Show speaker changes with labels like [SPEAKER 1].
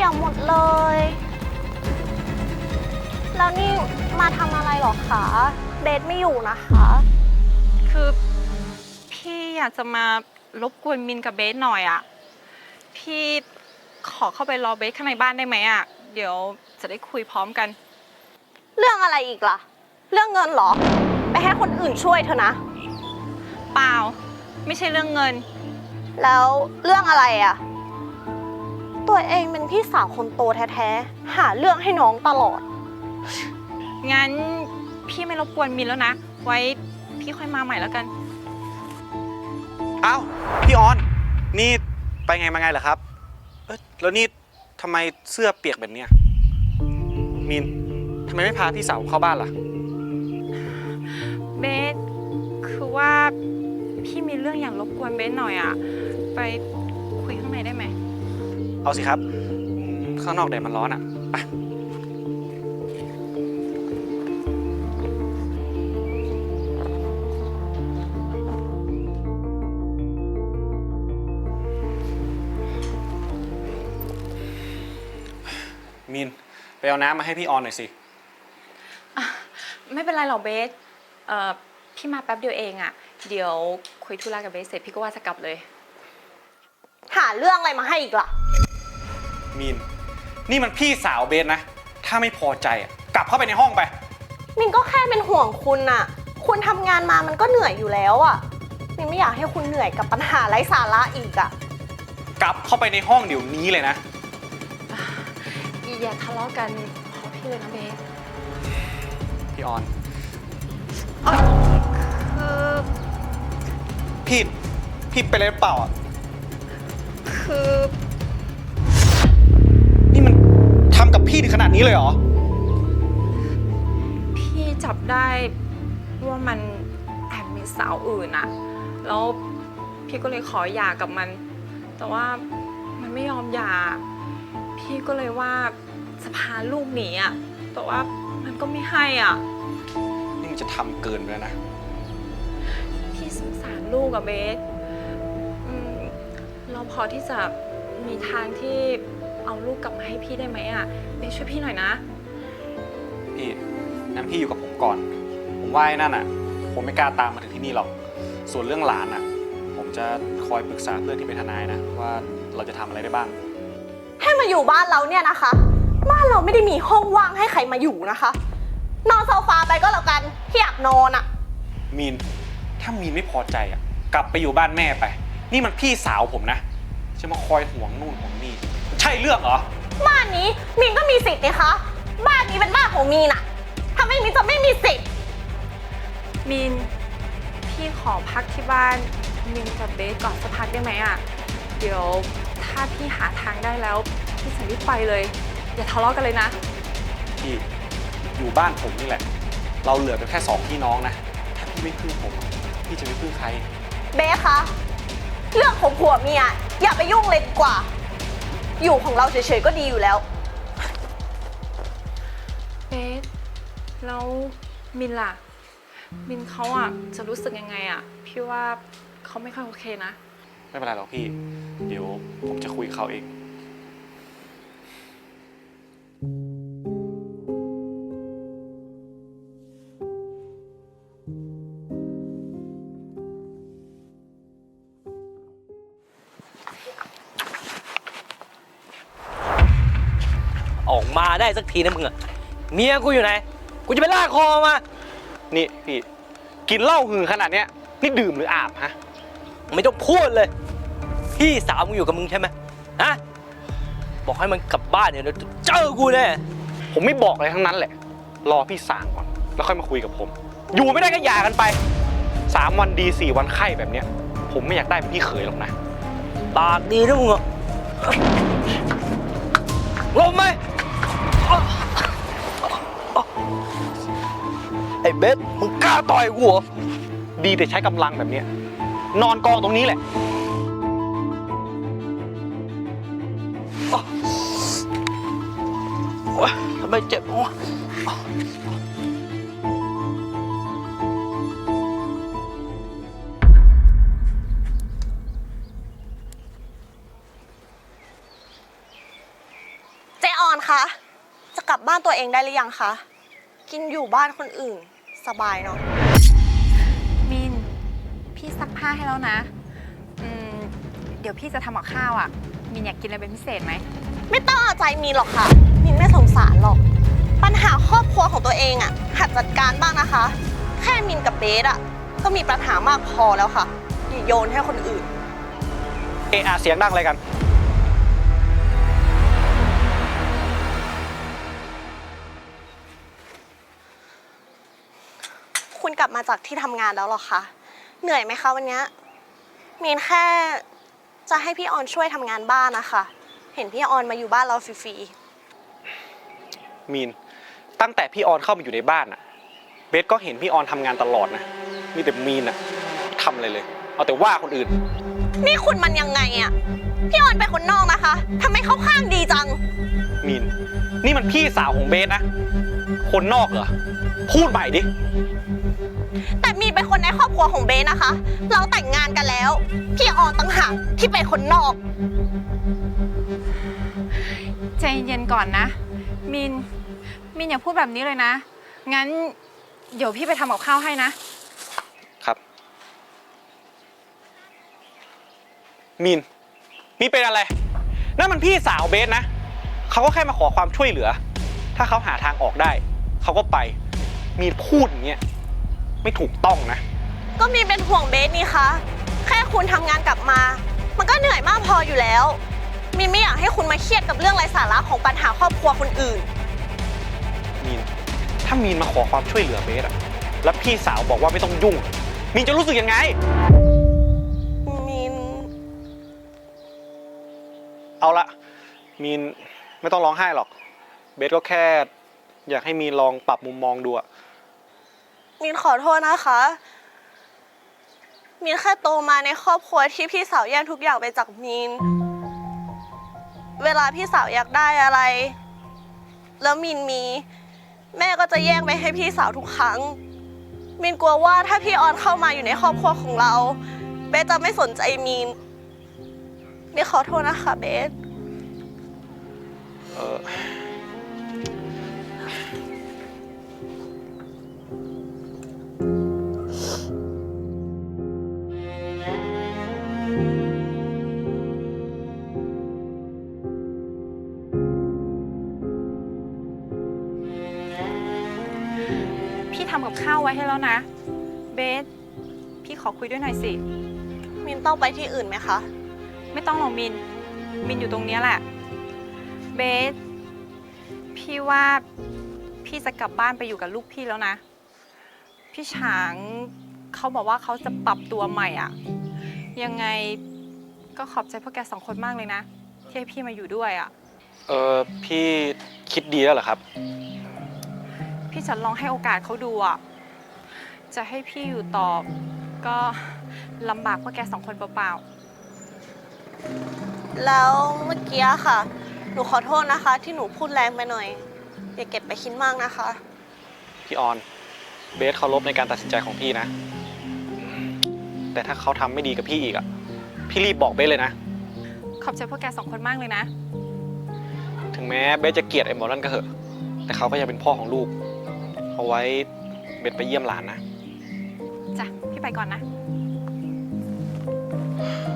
[SPEAKER 1] ยหมดเลย แล้วนี่มาทำอะไรหรอคะเบสไม่อยู่นะคะ
[SPEAKER 2] คือพี่อยากจะมารบกวนมินกับเบสหน่อยอะพี่ขอเข้าไปรอเบสข้างในบ้านได้ไหมอะเดี๋ยวจะได้คุยพร้อมกัน
[SPEAKER 1] เรื่องอะไรอีกล่ะ เรื่องเงินเหรอ ไปให้คนอื่นช่วยเธอนะ
[SPEAKER 2] เปล่า ไม่ใช่เรื่องเงิน
[SPEAKER 1] แล้วเรื่องอะไรอะตัวเองเป็นพี่สาวคนโตแท้ๆหาเรื่องให้น้องตลอด
[SPEAKER 2] งั้นพี่ไม่รบกวนมินแล้วนะ ไว้พี่ค่อยมาใหม่แล้วกัน
[SPEAKER 3] อ้าวพี่ออนนี่ไปไงมาไงเหรอครับแล้วนี่ทำไมเสื้อเปียกแบบเนี้ยมีนทำไมไม่พาพี่สาวเข้าบ้านล่ะ
[SPEAKER 2] เบสคือว่าพี่มีเรื่องอยากรบกวนเบสหน่อยอะไปคุยข้างในได้ไหม
[SPEAKER 3] เอาสิครับข้างนอกแดดมันร้อนอ่ะไปมีนไปเอาน้ำมาให้พี่ออนหน่อยสิ
[SPEAKER 2] ไม่เป็นไรหรอกเบสพี่มาแป๊บเดียวเองอะเดี๋ยวคุยธุระกับเบสเสร็จพี่ก็ว่าจะกลับเลย
[SPEAKER 1] หาเรื่องอะไรมาให้อีกล่ะ
[SPEAKER 3] มีนนี่มันพี่สาวเบสนะถ้าไม่พอใจอ่ะกลับเข้าไปในห้องไป
[SPEAKER 1] มินก็แค่เป็นห่วงคุณน่ะ คุณทำงานมามันก็เหนื่อยอยู่แล้วอ่ะ มินไม่อยากให้คุณเหนื่อยกับปัญหาไร้สาระอีกอ่ะ
[SPEAKER 3] กลับเข้าไปในห้องเดี๋ยวนี้เลยนะ
[SPEAKER 2] อย่าทะเลาะกันขอพี่เลยนะเบส
[SPEAKER 3] พี่ออน
[SPEAKER 2] คือ
[SPEAKER 3] พี่เป็นอะไรหรือเปล่าอ่ะ
[SPEAKER 2] คือ
[SPEAKER 3] นี่มันทำกับพี่ถึงขนาดนี้เลยเหรอ
[SPEAKER 2] พี่จับได้ว่ามันแอบมีสาวอื่นอะแล้วพี่ก็เลยขอหย่ากับมัน แต่ว่ามันไม่ยอมหย่าพี่ก็เลยว่าจะพาลูกหนีอะแต่ว่ามันก็ไม่ให้อ่ะ
[SPEAKER 3] นี่มันจะทำเกินไปแล้วนะ
[SPEAKER 2] พี่สงสารลูกอะเบสเราพอที่จะมีทางที่เอาลูกกลับมาให้พี่ได้ไหมอะเบสช่วยพี่หน่อยนะ
[SPEAKER 3] พี่งั้นพี่อยู่กับผมก่อน ผมว่าไอ้นั่นอ่ะ ผมไม่กล้าตามมาถึงที่นี่หรอก ส่วนเรื่องหลานอ่ะ ผมจะคอยปรึกษาเพื่อนที่เป็นทนายนะว่าเราจะทำอะไรได้บ้าง
[SPEAKER 1] ให้มาอยู่บ้านเราเนี่ยนะคะ บ้านเราไม่ได้มีห้องว่างให้ใครมาอยู่นะคะ นอนโซฟาไปก็แล้วกันที่อยากนอนอ่ะ
[SPEAKER 3] มีน ถ้ามีนไม่พอใจอ่ะ กลับไปอยู่บ้านแม่ไป นี่มันพี่สาวผมนะ จะมาคอยห่วงนู่นห่วงนี่ใช่เรื่องเหรอ
[SPEAKER 1] บ้านนี้มีนก็มีสิทธิ์นะคะ บ้านนี้เป็นบ้านของมีนอะถ้าไม่มีจะไม่มีสิทธิ์
[SPEAKER 2] มินพี่ขอพักที่บ้านมินกับเบสก่อนสักพักได้ไหมอะเดี๋ยวถ้าพี่หาทางได้แล้วพี่จะรีบไปเลย อย่าทะเลาะกันเลยนะ
[SPEAKER 3] พี่อยู่บ้านผมนี่แหละ เราเหลือกันแค่2พี่น้องนะ ถ้าพี่ไม่พึ่งผมพี่จะไม่พึ่งใคร
[SPEAKER 1] เบสคะ เรื่องของผัวเมียอย่าไปยุ่งเลยดีกว่า อยู่ของเราเฉยๆก็ดีอยู่แล้ว
[SPEAKER 2] เบสแล้วมินล่ะมินเขาอะจะรู้สึกยังไงอะพี่ว่าเขาไม่ค่อยโอเคนะ
[SPEAKER 3] ไม่เป็นไรหรอกพี่ เดี๋ยวผมจะคุยกับเขาเอง
[SPEAKER 4] ออกมาได้สักทีนะมึงอะเมียกูอยู่ไหน กูจะไปลากคอมา
[SPEAKER 3] นี่พี่กินเหล้าหือขนาดเนี้ยนี่ดื่มหรืออาบฮะ
[SPEAKER 4] ไม่ต้องพูดเลย พี่สาวมึงอยู่กับมึงใช่ไหมฮะ บอกให้มันกลับบ้านเดี๋ยวเจอกูแน่
[SPEAKER 3] ผมไม่บอกอะไรทั้งนั้นแหละ รอพี่สั่งก่อน แล้วค่อยมาคุยกับผม อยู่ไม่ได้ก็หย่ากันไป3 วันดี4 วันไข้แบบเนี้ย ผมไม่อยากได้เป็นพี่เขยหรอกนะ
[SPEAKER 4] ปากดีนะมึงอะลมไหมไอ้เบสมึงกล้าต่อยกูเหรอ
[SPEAKER 3] ดีแต่ใช้กำลังแบบเนี้ยนอนกองตรงนี้แหละ
[SPEAKER 4] โอ๊ยทำไมเจ็บวะ
[SPEAKER 1] กลับบ้านตัวเองได้หรือยังคะ กินอยู่บ้านคนอื่นสบายเนาะ
[SPEAKER 2] มิน พี่ซักผ้าให้แล้วนะเดี๋ยวพี่จะทำกับข้าวอ่ะ มินอยากกินอะไรเป็นพิเศษไหม
[SPEAKER 1] ไม่ต้องเอาใจมีนหรอกค่ะ มินไม่สงสารหรอก ปัญหาครอบครัวของตัวเองอะหัดจัดการบ้างนะคะ แค่มินกับเบสอะก็มีปัญหามากพอแล้วค่ะอย่าโยนให้คนอื่น
[SPEAKER 3] เอะอะเสียงดังอะไรกัน
[SPEAKER 1] คุณกลับมาจากที่ทำงานแล้วเหรอคะ เหนื่อยไหมคะวันนี้มีนแค่จะให้พี่ออนช่วยทำงานบ้านนะคะ เห็นพี่ออนมาอยู่บ้านเราฟรี
[SPEAKER 3] มีน ตั้งแต่พี่ออนเข้ามาอยู่ในบ้านอะเบสก็เห็นพี่ออนทำงานตลอดนะ มีแต่มีนอะทำอะไรเลย เอาแต่ว่าคนอื่น
[SPEAKER 1] ๆนี่คุณมันยังไงอะพี่ออนเป็นคนนอกนะคะทำไมเข้าข้างดีจัง
[SPEAKER 3] มีน นี่มันพี่สาวของเบสนะ คนนอกเหรอ พูดใหม่ดิ
[SPEAKER 1] แต่มีนเป็นคนในครอบครัวของเบสนะคะ เราแต่งงานกันแล้ว พี่ออนต่างหากที่เป็นคนนอก
[SPEAKER 2] ใจเย็นก่อนนะ มินอย่าพูดแบบนี้เลยนะ งั้นเดี๋ยวพี่ไปทำกับข้าวให้นะ
[SPEAKER 3] ครับ มีนเป็นอะไร นั่นมันพี่สาวเบสนะ เขาก็แค่มาขอความช่วยเหลือ ถ้าเขาหาทางออกได้ เขาก็ไป มีนพูดอย่างเงี้ยไม่ถูกต้องนะ
[SPEAKER 1] ก็มีนเป็นห่วงเบสนี่คะ แค่คุณทำงานกลับมา มันก็เหนื่อยมากพออยู่แล้ว มีนไม่อยากให้คุณมาเครียดกับเรื่องไร้สาระของปัญหาครอบครัวคนอื่น
[SPEAKER 3] มีน ถ้ามีนมาขอความช่วยเหลือเบสอะแล้วพี่สาวบอกว่าไม่ต้องยุ่ง มีนจะรู้สึกยังไง
[SPEAKER 1] มีน
[SPEAKER 3] เอาละ มีนไม่ต้องร้องไห้หรอก เบสก็แค่อยากให้มีนลองปรับมุมมองดูอะ
[SPEAKER 1] มีนขอโทษนะคะ มีนแค่โตมาในครอบครัวที่พี่สาวแย่งทุกอย่างไปจากมีน เวลาพี่สาวอยากได้อะไร แล้วมีนมี แม่ก็จะแย่งไปให้พี่สาวทุกครั้ง มีนกลัวว่าถ้าพี่ออนเข้ามาอยู่ในครอบครัวของเรา เบสจะไม่สนใจมีน มีนขอโทษนะคะเบส
[SPEAKER 3] เออ
[SPEAKER 2] พี่ทำกับข้าวไว้ให้แล้วนะ เบส พี่ขอคุยด้วยหน่อยสิ
[SPEAKER 1] มินต้องไปที่อื่นไหมคะ
[SPEAKER 2] ไม่ต้องหรอกมินอยู่ตรงเนี้ยแหละ เบส พี่ว่าพี่จะกลับบ้านไปอยู่กับลูกพี่แล้วนะ พี่ฉางเขาบอกว่าเขาจะปรับตัวใหม่อ่ะ ยังไงก็ขอบใจพวกแกสองคนมากเลยนะ ที่ให้พี่มาอยู่ด้วยอ่ะ
[SPEAKER 3] พี่คิดดีแล้วเหรอครับ
[SPEAKER 2] พี่จะลองให้โอกาสเขาดูอ่ะ จะให้พี่อยู่ต่อก็ลำบากพวกแกสองคนเปล่า
[SPEAKER 1] แล้วเมื่อกี้ค่ะ หนูขอโทษนะคะ ที่หนูพูดแรงไปหน่อย อย่าเก็บไปคิดมากนะคะ
[SPEAKER 3] พี่ออน เบสเคารพในการตัดสินใจของพี่นะ แต่ถ้าเขาทำไม่ดีกับพี่อีกอะพี่รีบบอกเบสเลยนะ
[SPEAKER 2] ๆขอบใจพวกแกสองคนมากเลยนะ
[SPEAKER 3] ถึงแม้เบสจะเกลียดไอ้หมอนั่นก็เหอะ แต่เขาก็ยังเป็นพ่อของลูก เอาไว้เบสไปเยี่ยมหลานนะ
[SPEAKER 2] จ้ะ พี่ไปก่อนนะ